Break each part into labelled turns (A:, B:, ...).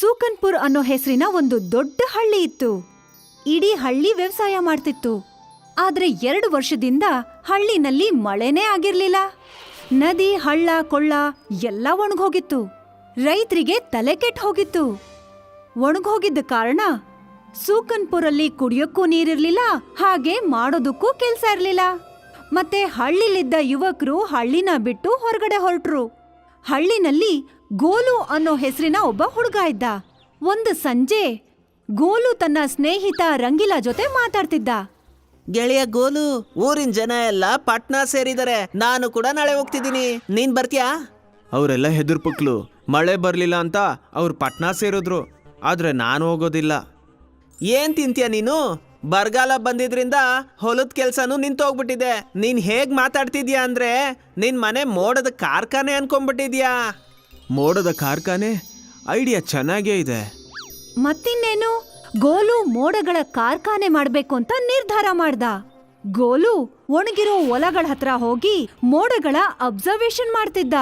A: ಸೂಕನ್ಪುರ್ ಅನ್ನೋ ಹೆಸರಿನ ಒಂದು ದೊಡ್ಡ ಹಳ್ಳಿ ಇತ್ತು. ಇಡೀ ಹಳ್ಳಿ ವ್ಯವಸಾಯ ಮಾಡ್ತಿತ್ತು. ಆದ್ರೆ 2 ವರ್ಷದಿಂದ ಹಳ್ಳಿನಲ್ಲಿ ಮಳೆನೇ ಆಗಿರ್ಲಿಲ್ಲ. ನದಿ, ಹಳ್ಳ, ಕೊಳ್ಳ ಎಲ್ಲ ಒಣಗೋಗಿತ್ತು. ರೈತರಿಗೆ ತಲೆ ಕೆಟ್ಟು ಹೋಗಿತ್ತು. ಒಣಗೋಗಿದ್ದ ಕಾರಣ ಸೂಕನ್ಪುರಲ್ಲಿ ಕುಡಿಯೋಕ್ಕೂ ನೀರಿರ್ಲಿಲ್ಲ, ಹಾಗೆ ಮಾಡೋದಕ್ಕೂ ಕೆಲ್ಸ ಇರ್ಲಿಲ್ಲ. ಮತ್ತೆ ಹಳ್ಳಿಲಿದ್ದ ಯುವಕರು ಹಳ್ಳಿನ ಬಿಟ್ಟು ಹೊರಗಡೆ ಹೊರಟ್ರು. ಹಳ್ಳಿನಲ್ಲಿ ಗೋಲು ಅನ್ನೋ ಹೆಸರಿನ ಒಬ್ಬ ಹುಡುಗ ಇದ್ದ. ಒಂದು ಸಂಜೆ ಗೋಲು ತನ್ನ ಸ್ನೇಹಿತ ರಂಗಿಲಾ ಜೊತೆ ಮಾತಾಡ್ತಿದ್ದ.
B: ಗೆಳೆಯ ಗೋಲು, ಊರಿನ ಜನ ಎಲ್ಲ ಪಟ್ನಾ ಸೇರಿದರೆ, ನಾನು ಕೂಡ ನಾಳೆ ಹೋಗ್ತಿದ್ದೀನಿ, ನೀನ್ ಬರ್ತೀಯಾ?
C: ಅವರೆಲ್ಲ ಹೆದರ್ಪುಕ್ಲು. ಮಳೆ ಬರ್ಲಿಲ್ಲ ಅಂತ ಅವ್ರು ಪಟ್ನಾ ಸೇರಿದ್ರು. ಆದ್ರೆ ನಾನು ಹೋಗೋದಿಲ್ಲ.
B: ಏನ್ ತಿಂತೀಯ ನೀನು? ಬರಗಾಲ ಬಂದಿದ್ರಿಂದ ಹೊಲದ ಕೆಲ್ಸನೂ ನಿಂತೋಗ್ಬಿಟ್ಟಿದೆ. ನೀನ್ ಹೇಗ್ ಮಾತಾಡ್ತಿದ್ಯಾ ಅಂದ್ರೆ ನಿನ್ ಮನೆ ಮೋಡದ ಕಾರ್ಖಾನೆ ಅನ್ಕೊಂಡ್ಬಿಟ್ಟಿದ್ಯಾ.
C: ಮೋಡದ ಕಾರ್ಖಾನೆ ಐಡಿಯಾ ಚೆನ್ನಾಗೇ ಇದೆ.
A: ಮತ್ತಿನ್ನೇನು, ಗೋಲು ಮೋಡಗಳ ಕಾರ್ಖಾನೆ ಮಾಡ್ಬೇಕು ಅಂತ ನಿರ್ಧಾರ ಮಾಡ್ದ. ಗೋಲು ಒಣಗಿರೋ ಹೊಲಗಳ ಹತ್ರ ಹೋಗಿ ಮೋಡಗಳ ಅಬ್ಸರ್ವೇಷನ್ ಮಾಡ್ತಿದ್ದ.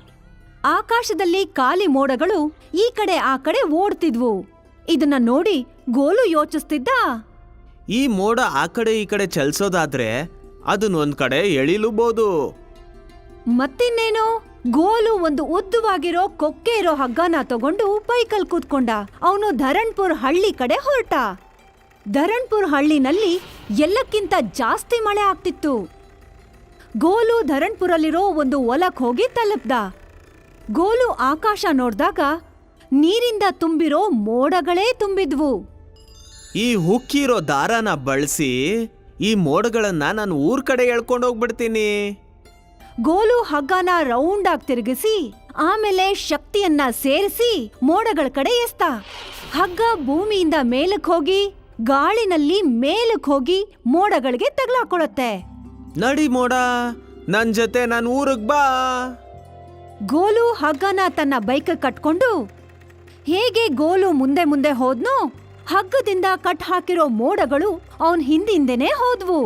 A: ಆಕಾಶದಲ್ಲಿ ಖಾಲಿ ಮೋಡಗಳು ಈ ಕಡೆ ಆ ಕಡೆ ಓಡ್ತಿದ್ವು. ಇದನ್ನ ನೋಡಿ ಗೋಲು ಯೋಚಿಸ್ತಿದ್ದ,
C: ಈ ಮೋಡ ಆ ಕಡೆ ಈ ಕಡೆ ಚಲಿಸೋದಾದ್ರೆ ಅದನ್ನ ಒಂದ್ ಕಡೆ ಎಳಿಲೂಬಹುದು.
A: ಮತ್ತಿನ್ನೇನು, ಗೋಲು ಒಂದು ಉದ್ದವಾಗಿರೋ ಕೊಕ್ಕೆ ಇರೋ ಹಗ್ಗನ ತಗೊಂಡು ಬೈಕಲ್ ಕೂತ್ಕೊಂಡ. ಅವನು ಧರಣ್ಪುರ್ ಹಳ್ಳಿ ಕಡೆ ಹೊರಟ. ಧರಣ್ಪುರ್ ಹಳ್ಳಿನಲ್ಲಿ ಎಲ್ಲಕ್ಕಿಂತ ಜಾಸ್ತಿ ಮಳೆ ಆಗ್ತಿತ್ತು. ಗೋಲು ಧರಣ್ಪುರಲ್ಲಿರೋ ಒಂದು ಹೊಲಕ್ ಹೋಗಿ ತಲುಪ್ದ. ಗೋಲು ಆಕಾಶ ನೋಡ್ದಾಗ ನೀರಿಂದ ತುಂಬಿರೋ ಮೋಡಗಳೇ ತುಂಬಿದ್ವು.
C: ಈ ಹುಕ್ಕಿರೋ ದಾರನ ಬಳಸಿ ಈ ಮೋಡಗಳನ್ನ ನಾನು ಊರ್ ಕಡೆ ಎಳ್ಕೊಂಡೋಗ್ಬಿಡ್ತೀನಿ.
A: ಗೋಲು ಹಗ್ಗನ ರೌಂಡ್ ಆಗಿ ತಿರುಗಿಸಿ ಆಮೇಲೆ ಶಕ್ತಿಯನ್ನ ಸೇರಿಸಿ ಮೋಡಗಳ ಕಡೆ ಎಸ್ತ. ಹಗ್ಗ ಭೂಮಿಯಿಂದ ಮೇಲಕ್ ಹೋಗಿ ಗಾಳಿನಲ್ಲಿ ಮೇಲಕ್ ಹೋಗಿ ಮೋಡಗಳಿಗೆ ತಗಲಾಕೊಳತ್ತೆ.
C: ನಡಿ ಮೋಡ, ನನ್ ಜೊತೆ ನನ್ ಊರಿಗ್ ಬಾ.
A: ಗೋಲು ಹಗ್ಗನ ತನ್ನ ಬೈಕ್ ಕಟ್ಕೊಂಡು ಹೇಗೆ ಗೋಲು ಮುಂದೆ ಮುಂದೆ ಹೋದ್ನೋ, ಹಗ್ಗದಿಂದ ಕಟ್ ಹಾಕಿರೋ ಮೋಡಗಳು ಅವನ್ ಹಿಂದಿಂದೆನೆ ಹೋದ್ವು.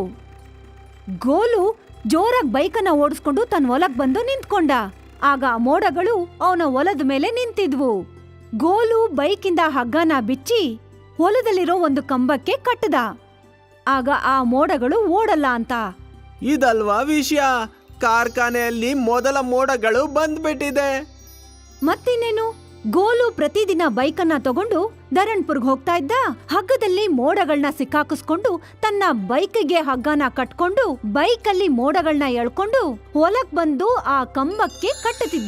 A: ಗೋಲು ಜೋರಾಗಿ ಬೈಕನ್ನ ಓಡಿಸ್ಕೊಂಡು ತನ್ನ ಹೊಲಕ್ ಬಂದು ನಿಂತ್ಕೊಂಡ. ಆಗ ಆ ಮೋಡಗಳು ಅವನ ಹೊಲದ ಮೇಲೆ ನಿಂತಿದ್ವು. ಗೋಲು ಬೈಕಿಂದ ಹಗ್ಗನ ಬಿಚ್ಚಿ ಹೊಲದಲ್ಲಿರೋ ಒಂದು ಕಂಬಕ್ಕೆ ಕಟ್ಟದ. ಆಗ ಆ ಮೋಡಗಳು ಓಡಲ್ಲ ಅಂತ.
C: ಇದಲ್ವಾ ವಿಷಯ, ಕಾರ್ಖಾನೆಯಲ್ಲಿ ಮೊದಲ ಮೋಡಗಳು ಬಂದ್ಬಿಟ್ಟಿದೆ.
A: ಮತ್ತಿನ್ನೇನು, ಗೋಲು ಪ್ರತಿದಿನ ಬೈಕನ್ನ ತಗೊಂಡು ಧರಣ್ಪುರ್ಗ್ ಹೋಗ್ತಾ ಇದ್ದ. ಹಗ್ಗದಲ್ಲಿ ಮೋಡಗಳನ್ನ ಸಿಕ್ಕಾಕಿಸ್ಕೊಂಡು ತನ್ನ ಬೈಕ್ಗೆ ಹಗ್ಗನ ಕಟ್ಕೊಂಡು ಬೈಕಲ್ಲಿ ಮೋಡಗಳನ್ನ ಎಳ್ಕೊಂಡು ಹೊಲಕ್ ಬಂದು ಆ ಕಂಬಕ್ಕೆ ಕಟ್ಟುತ್ತಿದ್ದ.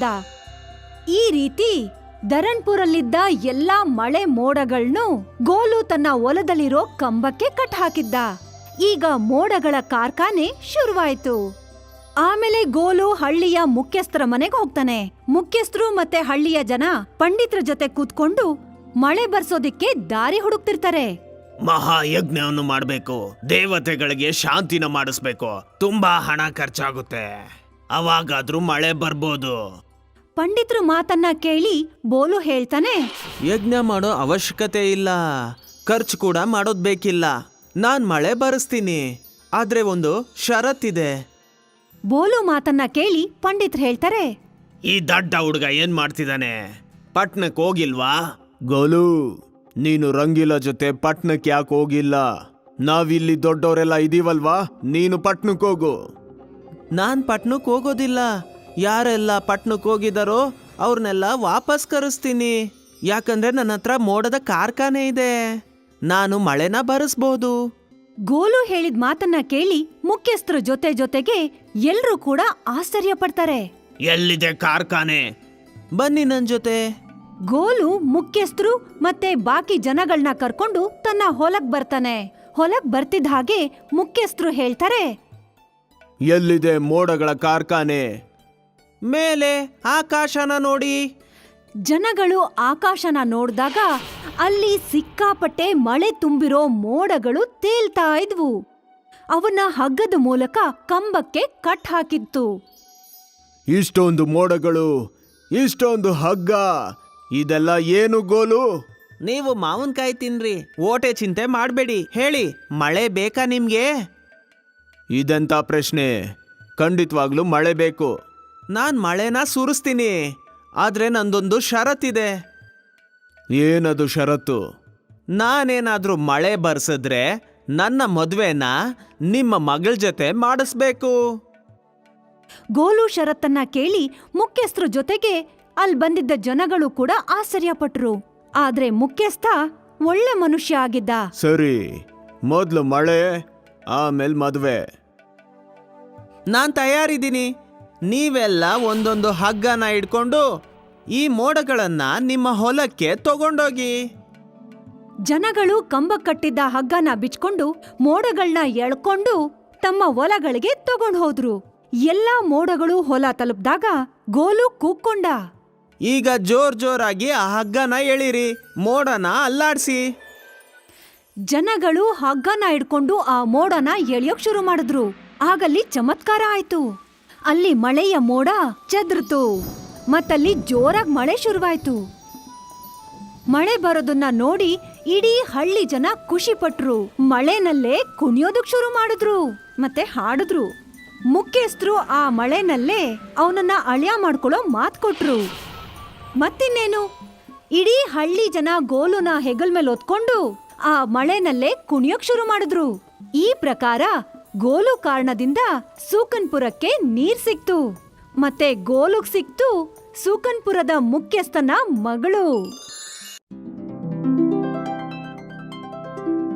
A: ಈ ರೀತಿ ಧರಣ್ಪುರಲ್ಲಿದ್ದ ಎಲ್ಲಾ ಮಳೆ ಮೋಡಗಳ್ನು ಗೋಲು ತನ್ನ ಹೊಲದಲ್ಲಿರೋ ಕಂಬಕ್ಕೆ ಕಟ್ ಹಾಕಿದ್ದ. ಈಗ ಮೋಡಗಳ ಕಾರ್ಖಾನೆ ಶುರುವಾಯ್ತು. ಆಮೇಲೆ ಗೋಲು ಹಳ್ಳಿಯ ಮುಖ್ಯಸ್ಥರ ಮನೆಗೆ ಹೋಗ್ತಾನೆ. ಮುಖ್ಯಸ್ಥರು ಮತ್ತೆ ಹಳ್ಳಿಯ ಜನ ಪಂಡಿತರ ಜೊತೆ ಕೂತ್ಕೊಂಡು ಮಳೆ ಬರ್ಸೋದಿಕ್ಕೆ ದಾರಿ ಹುಡುಕ್ತಿರ್ತಾರೆ.
C: ಮಹಾಯಜ್ಞವನ್ನು ಮಾಡ್ಬೇಕು, ದೇವತೆಗಳಿಗೆ ಶಾಂತಿನ ಮಾಡಿಸ್ಬೇಕು. ತುಂಬಾ ಹಣ ಖರ್ಚಾಗುತ್ತೆ, ಅವಾಗಾದ್ರೂ ಮಳೆ ಬರ್ಬೋದು.
A: ಪಂಡಿತರ ಮಾತನ್ನ ಕೇಳಿ ಬೋಲು ಹೇಳ್ತಾನೆ,
C: ಯಜ್ಞ ಮಾಡೋ ಅವಶ್ಯಕತೆ ಇಲ್ಲ, ಖರ್ಚು ಕೂಡ ಮಾಡೋದ್ ಬೇಕಿಲ್ಲ. ನಾನ್ ಮಳೆ ಬರೆಸ್ತೀನಿ, ಆದ್ರೆ ಒಂದು ಷರತ್ತಿದೆ.
A: ಬೋಲು ಮಾತನ್ನ ಕೇಳಿ ಪಂಡಿತರು ಹೇಳ್ತಾರೆ,
C: ಈ ದಡ್ಡ ಹುಡುಗ ಏನ್ ಮಾಡ್ತಿದ್ದಾನೆ? ಪಟ್ನಕ್ ಹೋಗಿಲ್ವಾ? ಗೋಲು, ನೀನು ರಂಗಿಲ ಜೊತೆ ಪಟ್ನಕ್ ಯಾಕೆ ಹೋಗಿಲ್ಲ? ನಾವಿಲ್ಲಿ ದೊಡ್ಡವರೆಲ್ಲ ಇದೀವಲ್ವಾ, ನೀನು ಪಟ್ನಕ್ ಹೋಗು. ನಾನ್ ಪಟ್ನಕ್ ಹೋಗೋದಿಲ್ಲ. ಯಾರೆಲ್ಲ ಪಟ್ನಕ್ ಹೋಗಿದಾರೋ ಅವ್ರನ್ನೆಲ್ಲ ವಾಪಸ್ ಕರೆಸ್ತೀನಿ. ಯಾಕಂದ್ರೆ ನನ್ನ ಹತ್ರ ಮೋಡದ ಕಾರ್ಖಾನೆ ಇದೆ, ನಾನು ಮಳೆನ ಬರೆಸ್ಬಹುದು.
A: ಗೋಲು ಹೇಳಿದ ಮಾತನ್ನ ಕೇಳಿ ಮುಖ್ಯಸ್ಥರ ಜೊತೆ ಜೊತೆಗೆ ಎಲ್ರೂ ಕೂಡ ಆಶ್ಚರ್ಯ ಪಡ್ತಾರೆ.
C: ಎಲ್ಲಿದೆ ಕಾರ್ಖಾನೆ? ಬನ್ನಿ ನನ್ ಜೊತೆ.
A: ಗೋಲು ಮುಖ್ಯಸ್ಥರು ಮತ್ತೆ ಬಾಕಿ ಜನಗಳನ್ನ ಕರ್ಕೊಂಡು ತನ್ನ ಹೊಲಕ್ ಬರ್ತಾನೆ. ಹೊಲಕ್ ಬರ್ತಿದ್ದ ಹಾಗೆ ಮುಖ್ಯಸ್ಥರು ಹೇಳ್ತಾರೆ,
C: ಎಲ್ಲಿದೆ ಮೋಡಗಳ ಕಾರ್ಖಾನೆ? ಮೇಲೆ ಆಕಾಶನ ನೋಡಿ.
A: ಜನಗಳು ಆಕಾಶನ ನೋಡ್ದಾಗ ಅಲ್ಲಿ ಸಿಕ್ಕಾಪಟ್ಟೆ ಮಳೆ ತುಂಬಿರೋ ಮೋಡಗಳು ತೇಲ್ತಾ ಇದ್ವು. ಅವನ್ನ ಹಗ್ಗದ ಮೂಲಕ ಕಂಬಕ್ಕೆ ಕಟ್ ಹಾಕಿತ್ತು.
C: ಇಷ್ಟೊಂದು ಮೋಡಗಳು, ಇಷ್ಟೊಂದು ಹಗ್ಗ, ಇದೆಲ್ಲ ಏನು ಗೋಲು?
B: ನೀವು ಮಾವಿನಕಾಯಿ ತಿನ್ರಿ, ಓಟೆ ಚಿಂತೆ ಮಾಡಬೇಡಿ. ಹೇಳಿ, ಮಳೆ ಬೇಕಾ ನಿಮ್ಗೆ?
C: ಇದೆಂತ ಪ್ರಶ್ನೆ? ಖಂಡಿತವಾಗ್ಲೂ ಮಳೆ ಬೇಕು.
B: ನಾನ್ ಮಳೆನ ಸುರಿಸ್ತೀನಿ, ಆದ್ರೆ ನಂದೊಂದು ಷರತ್ತಿದೆ.
C: ಏನದು ಷರತ್ತು?
B: ನಾನೇನಾದ್ರೂ ಮಳೆ ಬರ್ಸಿದ್ರೆ ನನ್ನ ಮದ್ವೆನ ನಿಮ್ಮ ಮಗಳ ಜೊತೆ ಮಾಡಿಸ್ಬೇಕು.
A: ಗೋಲು ಷರತ್ತನ್ನ ಕೇಳಿ ಮುಖ್ಯಸ್ಥರ ಜೊತೆಗೆ ಅಲ್ಲಿ ಬಂದಿದ್ದ ಜನಗಳು ಕೂಡ ಆಶ್ಚರ್ಯಪಟ್ರು. ಆದ್ರೆ ಮುಖ್ಯಸ್ಥ ಒಳ್ಳೆ ಮನುಷ್ಯ ಆಗಿದ್ದ.
C: ಸರಿ, ಮೊದ್ಲು ಮಳೆ, ಆಮೇಲೆ ಮದ್ವೆ.
B: ನಾನ್ ತಯಾರಿದ್ದೀನಿ. ನೀವೆಲ್ಲ ಒಂದೊಂದು ಹಗ್ಗನ ಇಟ್ಕೊಂಡು ಈ ಮೋಡಗಳನ್ನ ನಿಮ್ಮ ಹೊಲಕ್ಕೆ ತಗೊಂಡೋಗಿ.
A: ಜನಗಳು ಕಂಬಕ್ ಕಟ್ಟಿದ್ದ ಹಗ್ಗನ ಬಿಚ್ಕೊಂಡು ಮೋಡಗಳನ್ನ ಎಳ್ಕೊಂಡು ತಮ್ಮ ಹೊಲಗಳಿಗೆ ತಗೊಂಡ್ ಹೋದ್ರು. ಎಲ್ಲಾ ಮೋಡಗಳು ಹೊಲ ತಲುಪ್ದಾಗ ಗೋಲು ಕೂಕ್ಕೊಂಡ.
B: ಈಗ ಜೋರಾಗಿ ಆ ಹಗ್ಗನ ಎಳಿರಿ, ಮೋಡನ ಅಲ್ಲಾಡ್ಸಿ.
A: ಜನಗಳು ಹಗ್ಗನ ಹಿಡ್ಕೊಂಡು ಆ ಮೋಡನ ಎಳೆಯೋಕ್ ಶುರು ಮಾಡಿದ್ರು. ಆಗಲ್ಲಿ ಚಮತ್ಕಾರ ಆಯ್ತು. ಅಲ್ಲಿ ಮಳೆಯ ಮೋಡ ಚದ್ರತು ಮತ್ತಲ್ಲಿ ಜೋರಾಗಿ ಮಳೆ ಶುರುವಾಯ್ತು. ಮಳೆ ಬರೋದನ್ನ ನೋಡಿ ಇಡೀ ಹಳ್ಳಿ ಜನ ಖುಷಿ ಪಟ್ರು. ಮಳೆನಲ್ಲೇ ಕುಣಿಯೋದಕ್ ಶುರು ಮಾಡಿದ್ರು ಮತ್ತೆ ಹಾಡಿದ್ರು. ಮುಖ್ಯಸ್ಥರು ಆ ಮಳೆನಲ್ಲೇ ಅವನನ್ನ ಅಳಿಯ ಮಾಡ್ಕೊಳ್ಳೋ ಮಾತ್ ಕೊಟ್ರು. ಮತ್ತಿನ್ನೇನು, ಇಡೀ ಹಳ್ಳಿ ಜನ ಗೋಲುನ ಹೆಗಲ್ ಮೇಲೆ ಹೊತ್ಕೊಂಡು ಆ ಮಳೆನಲ್ಲೇ ಕುಣಿಯೋಕ್ ಶುರು ಮಾಡಿದ್ರು. ಈ ಪ್ರಕಾರ ಗೋಲು ಕಾರಣದಿಂದ ಸೂಕನ್ಪುರಕ್ಕೆ ನೀರ್ ಸಿಕ್ತು. ಮತ್ತೆ ಗೋಲುಗ್ ಸಿಕ್ತು ಸೂಕನ್ಪುರದ ಮುಖ್ಯಸ್ಥನ ಮಗಳು.